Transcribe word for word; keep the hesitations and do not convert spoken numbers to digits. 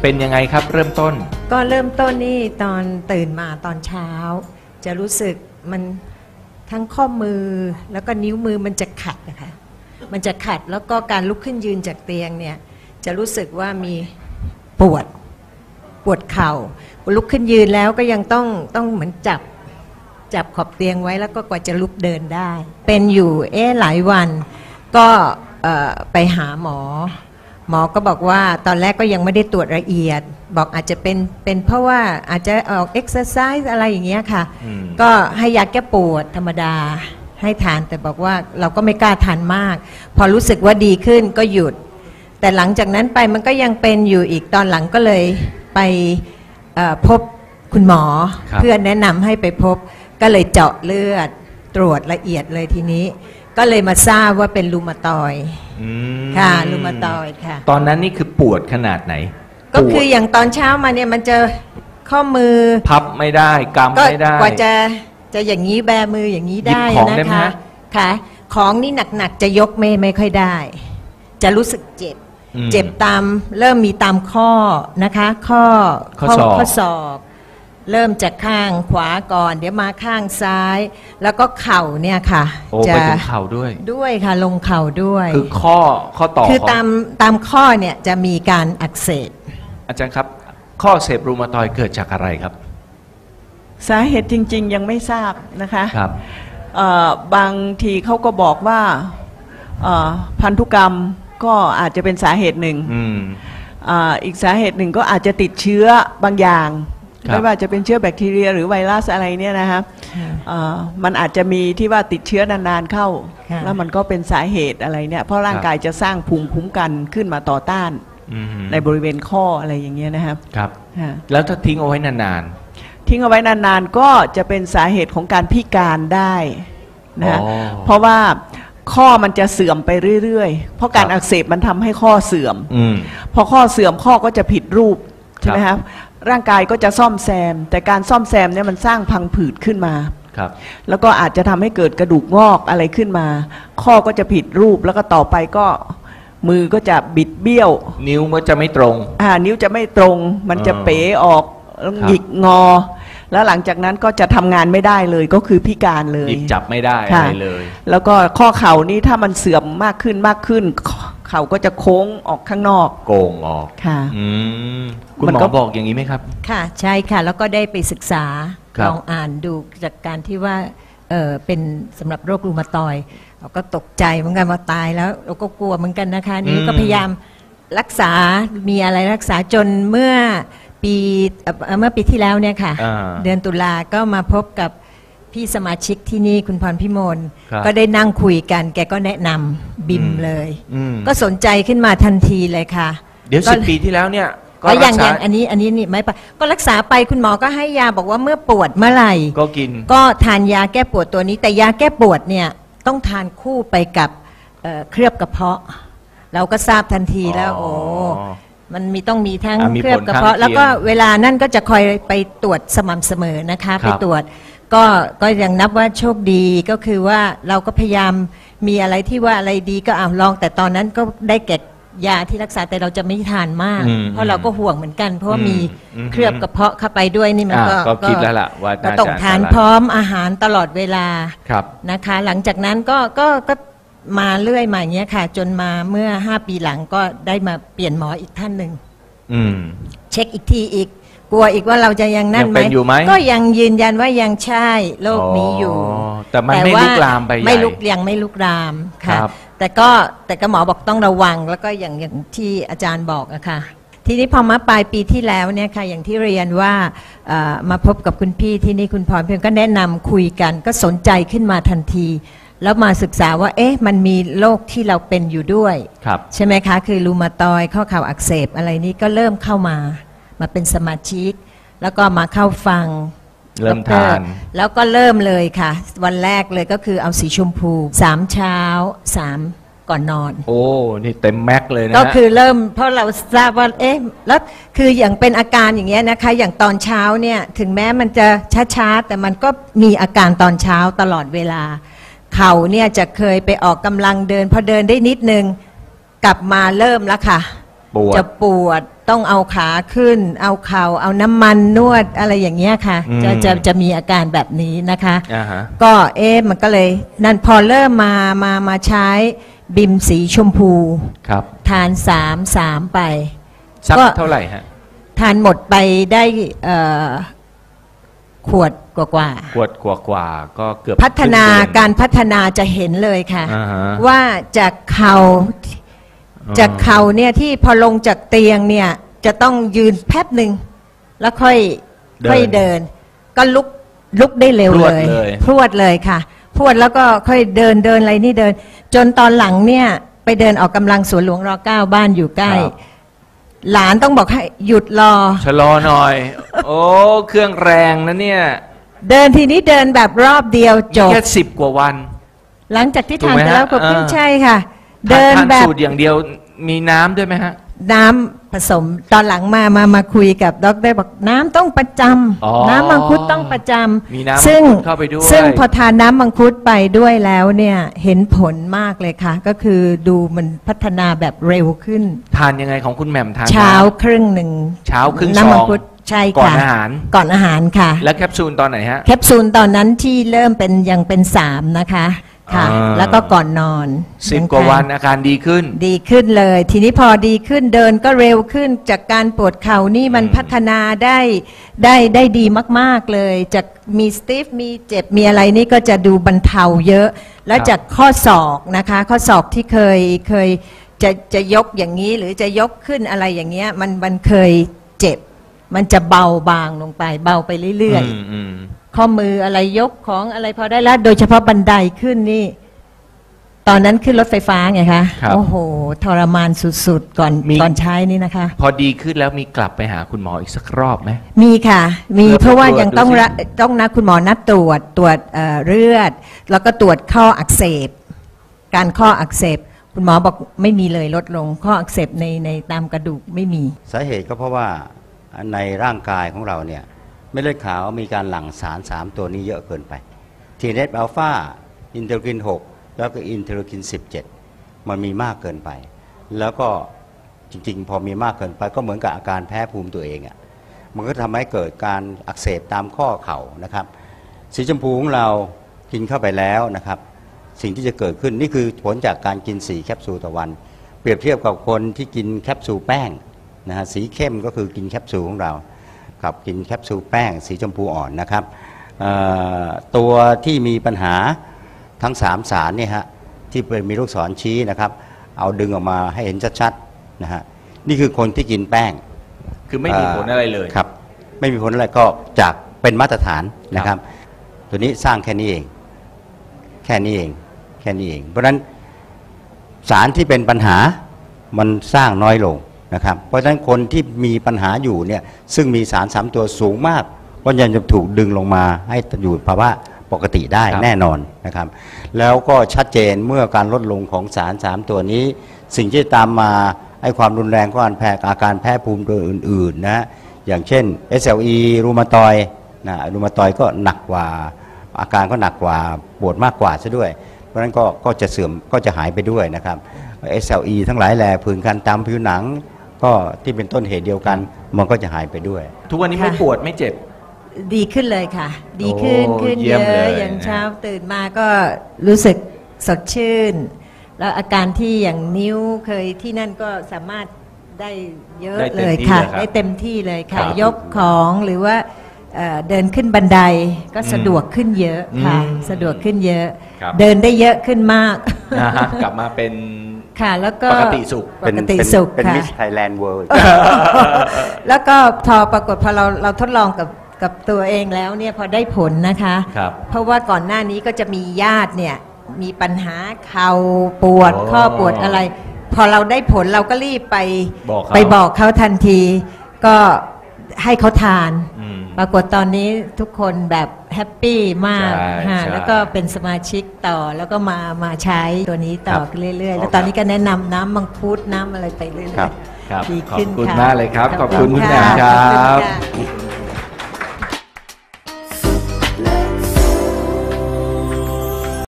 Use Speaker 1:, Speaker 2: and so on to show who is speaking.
Speaker 1: เป็นยังไงครับเริ่มต้น
Speaker 2: ก็เริ่มต้นนี่ตอนตื่นมาตอนเช้าจะรู้สึกมันทั้งข้อมือแล้วก็นิ้วมือมันจะขัดนะคะมันจะขัดแล้วก็การลุกขึ้นยืนจากเตียงเนี่ยจะรู้สึกว่ามีปวดปวดเข่าลุกขึ้นยืนแล้วก็ยังต้องต้องเหมือนจับจับขอบเตียงไว้แล้วก็กว่าจะลุกเดินได้เป็นอยู่เอ๊ะหลายวันก็ไปหาหมอหมอก็บอกว่าตอนแรกก็ยังไม่ได้ตรวจละเอียดบอกอาจจะเป็นเป็นเพราะว่าอาจจะออกเอ็กซ์ไซส์อะไรอย่างเงี้ยค่ะก็ให้ยาแก้ปวดธรรมดาให้ทานแต่บอกว่าเราก็ไม่กล้าทานมากพอรู้สึกว่าดีขึ้นก็หยุดแต่หลังจากนั้นไปมันก็ยังเป็นอยู่อีกตอนหลังก็เลยไปพบคุณหมอเพื่อนแนะนำให้ไปพบก็เลยเจาะเลือดตรวจละเอียดเลยทีนี้ก็เลยมาทราบว่าเป็นรูมาตอยด์ค่ะรูมาตอยด์ค่ะ
Speaker 1: ตอนนั้นนี่คือปวดขนาดไหน
Speaker 2: ก็คืออย่างตอนเช้ามาเนี่ยมันจะข้อมือ
Speaker 1: พับไม่ได้กำไม่ได้
Speaker 2: กว่าจะจะอย่างนี้แบมืออย่างนี้ได้นะคะค่ะของนี่หนักๆจะยกไม่ไม่ค่อยได้จะรู้สึกเจ็บเจ็บตามเริ่มมีตามข้อนะคะข้อ
Speaker 1: ข้อข้อ
Speaker 2: ศอกเริ่มจากข้างขวาก่อนเดี๋ยวมาข้างซ้ายแล้วก็เข่าเนี่ยค่ะ
Speaker 1: จะไปถึงเข่าด้วย
Speaker 2: ด้วยค่ะลงเข่าด้วย
Speaker 1: คือข้อข้อต่อ
Speaker 2: คือตามตามข้อเนี่ยจะมีการอักเสบ
Speaker 1: อาจารย์ครับข้ออักเสบรูมาตอยด์เกิดจากอะไรครับ
Speaker 3: สาเหตุจริงๆยังไม่ทราบนะคะ
Speaker 1: ครับ
Speaker 3: บางทีเขาก็บอกว่าพันธุกรรมก็อาจจะเป็นสาเหตุหนึ่ง
Speaker 1: อ,
Speaker 3: อีกสาเหตุหนึ่งก็อาจจะติดเชื้อบางอย่างไม่ว่าจะเป็นเชื้อแบคทีเรียหรือไวรัสอะไรเนี่ยนะคะมันอาจจะมีที่ว่าติดเชื้อนานๆเข้าแล้วมันก็เป็นสาเหตุอะไรเนี่ยเพราะร่างกายจะสร้างภูมิคุ้มกันขึ้นมาต่อต้านในบริเวณข้ออะไรอย่างเงี้ยนะครับ
Speaker 1: ครับแล้วถ้าทิ้งเอาไว้นาน
Speaker 3: ๆทิ้งเอาไว้นานๆก็จะเป็นสาเหตุของการพิการได้นะเพราะว่าข้อมันจะเสื่อมไปเรื่อยๆเพราะการอักเสบมันทำให้ข้อเสื่อมพอข้อเสื่อมข้อก็จะผิดรูปใช่ไหมครับร่างกายก็จะซ่อมแซมแต่การซ่อมแซมเนี่ยมันสร้างพังผืดขึ้นมาแล้วก็อาจจะทำให้เกิดกระดูกงอกอะไรขึ้นมาข้อก็จะผิดรูปแล้วก็ต่อไปก็มือก็จะบิดเบี้ยว
Speaker 1: นิ้วก็จะไม่ตรง
Speaker 3: อ่านิ้วจะไม่ตรงมันจะเป๋ออกหยิกงอแล้วหลังจากนั้นก็จะทำงานไม่ได้เลยก็คือพิการเลย
Speaker 1: หยิบจับไม่ได้อะไรเลย
Speaker 3: แล้วก็ข้อเข่านี้ถ้ามันเสื่อมมากขึ้นมากขึ้นเข่าก็จะโค้งออกข้างนอก
Speaker 1: โกงออก
Speaker 3: ค่ะ
Speaker 1: คุณหมอบอกอย่างนี้ไหมครับ
Speaker 2: ค่ะใช่ค่ะแล้วก็ได้ไปศึกษาลองอ่านดูจากการที่ว่าเออเป็นสำหรับโรครูมาตอยด์เราก็ตกใจเหมือนกันว่าตายแล้วเราก็กลัวเหมือนกันนะคะนี่ก็พยายามรักษามีอะไรรักษาจนเมื่อปีเมื่อปีที่แล้วเนี่ยค่ะเดือนตุลาก็มาพบกับพี่สมาชิกที่นี่คุณพรพิมลก็ได้นั่งคุยกันแกก็แนะนำบิมเลยก็สนใจขึ้นมาทันทีเลยค่ะ
Speaker 1: เดี๋ยวสิบปีที่แล้วเนี่ย
Speaker 2: ก็อย่างอย่างอันนี้อันนี้นี่ไม่ปะก็รักษาไปคุณหมอก็ให้ยาบอกว่าเมื่อปวดเมื่อไหร่
Speaker 1: ก็กิน
Speaker 2: ก็ทานยาแก้ปวดตัวนี้แต่ยาแก้ปวดเนี่ยต้องทานคู่ไปกับเคลือบกระเพาะเราก็ทราบทันทีแล้วโอ้มันมีต้องมีทั้งเคลือบกระเพาะแล้วก็เวลานั่นก็จะคอยไปตรวจสม่ำเสมอนะคะไปตรวจก็ก็ยังนับว่าโชคดีก็คือว่าเราก็พยายามมีอะไรที่ว่าอะไรดีก็อ่าลองแต่ตอนนั้นก็ได้แก่ยาที่รักษาแต่เราจะไม่ทานมากเพราะเราก็ห่วงเหมือนกันเพราะว่ามีเคลือบกระเพาะเข้าไปด้วยนี่มันก็
Speaker 1: ก็คิดแล้วล่ะว่า
Speaker 2: ก็ต้องทานพร้อมอาหารตลอดเวลานะคะหลังจากนั้นก็ก็ก็มาเรื่อยมาอย่างเงี้ยค่ะจนมาเมื่อห้าปีหลังก็ได้มาเปลี่ยนหมออีกท่านหนึ่งเช็คอีกทีอีกกลัวอีกว่าเราจะยังนั่นไหมก็ยังยืนยันว่ายังใช่โรคนี้อยู่
Speaker 1: แต่มันไม่ลุกลามไป
Speaker 2: ไม่ลุกยังไม่ลุกลามค่ะแต่ก็แต่ก็หมอบอกต้องระวังแล้วก็อย่างอย่างที่อาจารย์บอกอะค่ะทีนี้พอมาปลายปีที่แล้วเนี่ยค่ะอย่างที่เรียนว่ามาพบกับคุณพี่ที่นี่คุณพรเพียงก็แนะนำคุยกันก็สนใจขึ้นมาทันทีแล้วมาศึกษาว่าเอ๊ะมันมีโรคที่เราเป็นอยู่ด้วยใช่ไหมคะคือรูมาตอยด์ข้อเข่าอักเสบอะไรนี้ก็เริ่มเข้ามามาเป็นสมาชิกแล้วก็มาเข้าฟัง
Speaker 1: เริ่มทาน
Speaker 2: แล้วก็เริ่มเลยค่ะวันแรกเลยก็คือเอาสีชมพูสามเช้าสามก่อนนอน
Speaker 1: โอ้นี่เต็มแม็กเลยนะ
Speaker 2: ก็คือเริ่มเพราะเราทราบว่าเอ๊ะแล้วคืออย่างเป็นอาการอย่างเงี้ยนะคะอย่างตอนเช้าเนี่ยถึงแม้มันจะช้าๆแต่มันก็มีอาการตอนเช้าตลอดเวลาเข่าเนี่ยจะเคยไปออกกำลังเดินพอเดินได้นิดนึงกลับมาเริ่มแล้วค่ะจะปวดต้องเอาขาขึ้น เอาเข่าเอาน้ำมันนวดอะไรอย่างเงี้ยค่ะ
Speaker 1: อืม
Speaker 2: จะจะจะมีอาการแบบนี้นะคะ
Speaker 1: อ่าฮะ
Speaker 2: ก็เอ๊ะมันก็เลยนั่นพอเริ่มมามามาใช้บิมสีชมพู
Speaker 1: ครับ
Speaker 2: ทานสามสามไป
Speaker 1: สัก
Speaker 2: ก็
Speaker 1: เท่าไหร่ฮะ
Speaker 2: ทานหมดไปได้เอ่อขวดกว่า
Speaker 1: ขวดกว่ากว่าๆก็เกือบ
Speaker 2: ๆพัฒนา
Speaker 1: คงเดือน
Speaker 2: การพัฒนาจะเห็นเลยค่ะ
Speaker 1: อ่าฮะ
Speaker 2: ว่าจากเข่าจากเข่าเนี่ยที่พอลงจากเตียงเนี่ยจะต้องยืนแป๊บหนึ่งแล้วค่อย
Speaker 1: เดิน
Speaker 2: ค่อยเดิน ก็ลุกลุกได้เร็ว
Speaker 1: พรวด
Speaker 2: เลย
Speaker 1: เลย
Speaker 2: พรวดเลยค่ะพรวดแล้วก็ค่อยเดินเดินอะไรนี่เดิน จนตอนหลังเนี่ยไปเดินออกกำลังสวนหลวงรอเก้าบ้านอยู่ใกล้
Speaker 1: ครับ
Speaker 2: หลานต้องบอกให้หยุดรอ
Speaker 1: ชะลอหน่อย โอ้เครื่องแรงนะเนี่ย
Speaker 2: เดินทีนี้เดินแบบรอบเดียวจบ
Speaker 1: แค่สิบกว่าวัน
Speaker 2: หลังจากที่
Speaker 1: ถูก
Speaker 2: ทาน
Speaker 1: ไหม
Speaker 2: ไปแล้ว
Speaker 1: ฮะ
Speaker 2: ก็ขึ้น
Speaker 1: อ่า
Speaker 2: ใช่ค่ะ
Speaker 1: ทา
Speaker 2: เดิน
Speaker 1: ทาน
Speaker 2: แบบ
Speaker 1: สูตรอย่างเดียวมีน้ำด้วยไหมฮะ
Speaker 2: น้ำผสมตอนหลังมามามาคุยกับดรบอกน้ำต้องประจ
Speaker 1: อ๋อ
Speaker 2: ำน้ำมังคุดต้องประจ
Speaker 1: มีน้ำ
Speaker 2: ำซึ่ง
Speaker 1: มังคุดเข้าไปด้วย
Speaker 2: ซึ่งพอทานน้ำมังคุดไปด้วยแล้วเนี่ยเห็นผลมากเลยค่ะ ก็คือดูมันพัฒนาแบบเร็วขึ้น
Speaker 1: ทานยังไงของคุณแหม่มทาน
Speaker 2: เช้า
Speaker 1: น้ำ
Speaker 2: ครึ่งหนึ่ง
Speaker 1: เช้าครึ่ง
Speaker 2: น้ำมั
Speaker 1: ซอง
Speaker 2: คุดใช่
Speaker 1: ก่อน
Speaker 2: ค่ะ
Speaker 1: อาหาร
Speaker 2: ก่อนอาหารค่ะ
Speaker 1: แล้วแคปซูลตอนไหนฮะ
Speaker 2: แคปซูลตอนนั้นที่เริ่มเป็นยังเป็นสามนะคะค่ะ
Speaker 1: อ่า
Speaker 2: แล้วก็ก่อนนอน
Speaker 1: สิบ
Speaker 2: ยัง
Speaker 1: กว่า
Speaker 2: ท
Speaker 1: วันอาการดีขึ้น
Speaker 2: ดีขึ้นเลย ทีนี้พอดีขึ้นเดินก็เร็วขึ้นจากการปวดเข่านี่มัน
Speaker 1: อืม
Speaker 2: พัฒนาได้ได้ได้ดีมากๆเลยจากมีสติฟมีเจ็บมีอะไรนี่ก็จะดูบรรเทาเยอะ แล้วจากข้อศอกนะคะ ข้อศอกที่เคยเคยจะจะยกอย่างนี้หรือจะยกขึ้นอะไรอย่างเงี้ยมันมันเคยเจ็บ มันจะเบาบางลงไปเบาไปเรื่อย
Speaker 1: มอืม
Speaker 2: ๆ ข้อมืออะไรยกของอะไรพอได้แล้ว โดยเฉพาะบันไดขึ้นนี่ ตอนนั้นขึ้นรถไฟฟ้าไงคะ
Speaker 1: ครับ
Speaker 2: โอ้โห ทรมานสุดๆ ก่อน
Speaker 1: มี
Speaker 2: ก่อนใช้นี่นะคะ
Speaker 1: พอดีขึ้นแล้วมีกลับไปหาคุณหมออีกสักรอบไหม
Speaker 2: มีค่ะ มี
Speaker 1: เลือด
Speaker 2: เพราะว่า
Speaker 1: ตรวจ
Speaker 2: ยังต้อง
Speaker 1: ดูสิ
Speaker 2: ระต้องนัดคุณหมอนัดตรวจตรวจเอ่อเลือด แล้วก็ตรวจข้ออักเสบ การข้ออักเสบ คุณหมอบอกไม่มีเลยลดลง ข้ออักเสบในในตามกระดูกไม่มี
Speaker 4: สาเหตุก็เพราะว่าในร่างกายของเราเนี่ยเม็ดเลือดขาวมีการหลั่งสารสามตัวนี้เยอะเกินไป ที เอ เอฟ อัลฟา อินเทอร์คิน หก แล้วก็อินเทอร์คิน สิบเจ็ด มันมีมากเกินไป แล้วก็จริงๆ พอมีมากเกินไปก็เหมือนกับอาการแพ้ภูมิตัวเองอะ่ะมันก็ทำให้เกิดการอักเสบตามข้อเข่านะครับ สีชมพูของเรากินเข้าไปแล้วนะครับ สิ่งที่จะเกิดขึ้นนี่คือผลจากการกินสี่แคปซูลต่อวัน เปรียบเทียบกับคนที่กินแคปซูลแป้งนะฮะสีเข้มก็คือกินแคปซูลของเรากับกินแคปซูลแป้ง สีชมพูอ่อนนะครับเอ่อตัวที่มีปัญหาทั้งสามสารเนี่ยฮะที่เป็นมีลูกศรชี้นะครับเอาดึงออกมาให้เห็นชัดๆนะฮะนี่คือคนที่กินแป้ง
Speaker 1: คือไม่มีผลอะไรเลย
Speaker 4: ครับไม่มีผลอะไรก็จากเป็นมาตรฐานนะครับ ตัวนี้สร้างแค่นี้เอง แค่นี้เองแค่นี้เอง เพราะฉะนั้นสารที่เป็นปัญหามันสร้างน้อยลงนะครับ เพราะฉะนั้นคนที่มีปัญหาอยู่เนี่ยซึ่งมีสารสามตัวสูงมากก็ยังจะถูกดึงลงมาให้อยู่ภาวะปกติได้
Speaker 1: ครับ
Speaker 4: แน่นอนนะครับ แล้วก็ชัดเจนเมื่อการลดลงของสารสามตัวนี้ สิ่งที่ตามมาให้ความรุนแรงของการแพ้อาการแพ้ภูมิตัวอื่นๆนะอย่างเช่น เอส แอล อี รูมาตอยด์นะรูมาตอยด์ก็หนักกว่าอาการก็หนักกว่าปวดมากกว่าซะด้วย เพราะฉะนั้นก็ก็จะเสื่อมก็จะหายไปด้วยนะครับ เอส แอล อี ทั้งหลายแหล่ผื่นคันตามผิวหนัง ก็ที่เป็นต้นเหตุเดียวกันมันก็จะหายไปด้วย
Speaker 1: ทุกวันนี้
Speaker 2: ค่ะ
Speaker 1: ไม่ปวดไม่เจ็บ
Speaker 2: ดีขึ้นเลยค่ะ ดีขึ้น
Speaker 1: โอ้
Speaker 2: ขึ้น
Speaker 1: เยี่
Speaker 2: เย
Speaker 1: ยมเล
Speaker 2: อะ
Speaker 1: ย
Speaker 2: อย่าง
Speaker 1: นะ
Speaker 2: เช้าตื่นมาก็รู้สึกสดชื่น แล้วอาการที่อย่างนิ้วเคยที่นั่นก็สามารถได้เยอะ
Speaker 1: ได้
Speaker 2: เล
Speaker 1: เต็ม
Speaker 2: ย
Speaker 1: ที่
Speaker 2: ค่ะ
Speaker 1: เลยครับ
Speaker 2: ได้เต็มที่เลยค่ะ
Speaker 1: ครับ
Speaker 2: ยกของหรือว่าเอ่อเดินขึ้นบันไดก็สะดวกขึ้นเยอะค่ะ
Speaker 1: อืม
Speaker 2: สะดวกขึ้นเยอะ
Speaker 1: ครับ
Speaker 2: เดินได้เยอะขึ้นมาก
Speaker 1: นะฮะกลับมาเป็น
Speaker 2: ค่ะ แล้วก็
Speaker 1: ปกติสุข
Speaker 2: ปกติสุข
Speaker 4: เป็น
Speaker 2: ค่ะ
Speaker 4: มิสไทยแลนด์เวิลด์
Speaker 2: แล้วก็พอปรากฏพอเราเราทดลองกับกับตัวเองแล้วเนี่ยพอได้ผลนะคะ
Speaker 1: ครับ
Speaker 2: เพราะว่าก่อนหน้านี้ก็จะมีญาติเนี่ยมีปัญหาเข่าปวด
Speaker 1: อ๋อ
Speaker 2: ข้อปวดอะไร พอเราได้ผลเราก็รีบไป
Speaker 1: บอกเขา
Speaker 2: ไปบอกเขาทันที ก็ให้เขาทาน
Speaker 1: อืม
Speaker 2: ปรากฏตอนนี้ทุกคนแบบแฮปปี้มาก
Speaker 1: ใช่
Speaker 2: ฮะ
Speaker 1: ใช่
Speaker 2: แล้วก็เป็นสมาชิกต่อแล้วก็มามาใช้ตัวนี้ต่อ
Speaker 1: ครับ
Speaker 2: เรื่อยๆ แล้วตอนนี้ก็แนะนำน้ำมังคุดน้ำอะไรไปเรื่อย
Speaker 4: ครับ
Speaker 2: ๆ
Speaker 1: ครับ
Speaker 2: ดี
Speaker 1: ขอบ
Speaker 2: ขึ้น
Speaker 1: คุณ
Speaker 2: ค่ะ
Speaker 1: มากเลยครับ ขอบคุณคุณแหม่ม
Speaker 2: ะ
Speaker 1: ครั
Speaker 2: ขอบ
Speaker 1: บ
Speaker 2: คุณค่ะ